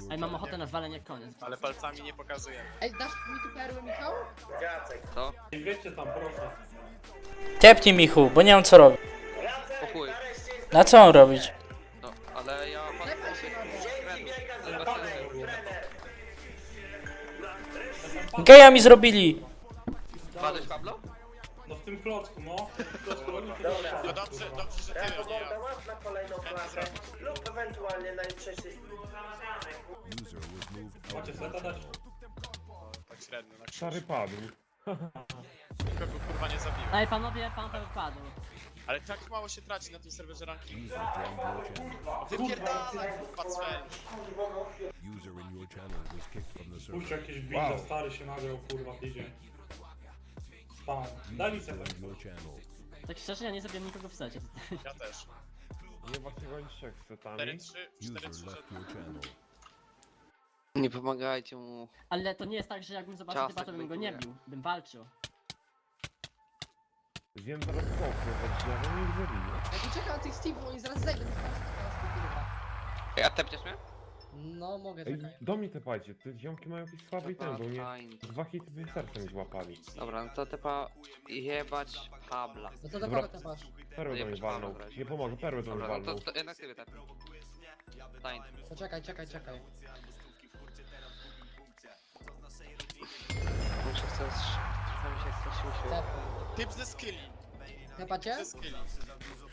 Ej, mam ochotę na walenie koniec. Ale palcami nie pokazuję. Ej, dasz mi tu perłę, Michał? Co? I wiecie tam, proszę. Tepnij Michu, bo nie mam co robić. Po chuj. Na co mam robić? No, ale ja... Klepaj się na mnie. Geja mi zrobili! Padłeś, Pablo? No w tym klocku, no. W tym klocku oni się dostaną. No dobrze, że ty, a nie ja. Masz na kolejną klasę lub ewentualnie najczęściej. Macie seta dać? Tak średnio, na krzyż. Stary padł. Nikogo kurwa nie zabiłem. Ej, panowie, pan to wypadł. Ale tak mało się traci na tym serwerze ranking. Wypierdalaj kurwa cel. Puść jakieś bita, stary się nagrał, kurwa, tydzień. Spam. Daj mi setę. Tak szczerze, ja nie zabiłem nikogo w secie. Ja też. Nie właśnie gonić trzech z setami. 4-3, Nie pomagajcie mu. Ale to nie jest tak, że jakbym zobaczył Ciastek typa, to bym go nie bejtuje. bił. Bym walczył. Wiem zaraz pokój, ja bym ich zabił. Ja tu czekam na tych Steve, bo oni zaraz zejdą. Kurwa. A tepniesz mnie? No, mogę, Ej, czekaj. do mnie te pajcie, te ziomki mają jakiś słaby item, bo mnie Fajnie. 2 hity serca mi złapali. Dobra, no to tepa jebać Pabla. No to do Dobra. kogo tepasz? Perłę do mnie walnął. Nie pomogę, perłę do mnie Dobra, no walnął. to jednak sobie tepnę. Tań. To czekaj. Muszę coś... Trochę mi się chce sił. Tepnę. Typ ze skilli. Tepacie? Ze skilli.